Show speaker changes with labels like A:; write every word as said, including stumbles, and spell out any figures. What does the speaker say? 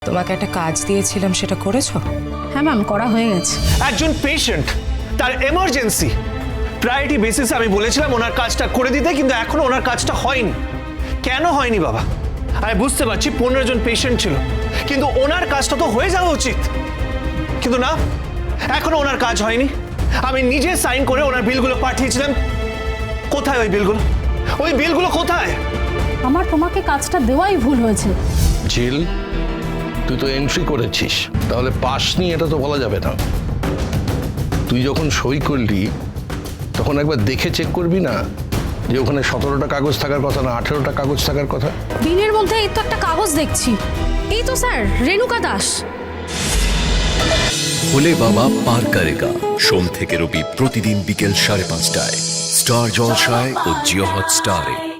A: তোমাকে একটা কাজ দিয়েছিলাম, সেটা করেছো?
B: হ্যাঁ ম্যাম, করা হয়ে গেছে।
C: একজন পেশেন্ট, তার এমার্জেন্সি, প্রায়োরিটি বেসিসে আমি বলেছিলাম ওনার কাজটা করে দিতে, কিন্তু এখনো ওনার কাজটা হয়নি। কেন হয়নি বাবা? আমি বুঝতে পারছি পনেরো জন পেশেন্ট ছিল, কিন্তু ওনার কাজটা তো হয়ে যাওয়া উচিত। কিন্তু না, এখনো ওনার কাজ হয়নি। আমি নিজে সাইন করে ওনার বিলগুলো পাঠিয়েছিলাম। কোথায় ওই বিলগুলো? ওই বিলগুলো কোথায়?
B: আমার তোমাকে কাজটা দেওয়াই ভুল হয়েছে।
D: ঝিল, তুই তো এন্ট্রি করেছিস, তাহলে পাস নি এটা তো বলা যাবে না। তুই যখন সই করলি তখন একবার দেখে চেক করবি না যে ওখানে সতেরোটা কাগজ থাকার কথা না আঠেরোটা কাগজ থাকার কথা?
B: বিলের মধ্যে এই তো একটা কাগজ দেখছি। এই তো স্যার, রেণুকা দাস।
E: ভোলে বাবা পার করেগা, সোম থেকে রবি প্রতিদিন বিকেল সাড়ে পাঁচটায় স্টার জলসায় ও জিও হটস্টারে।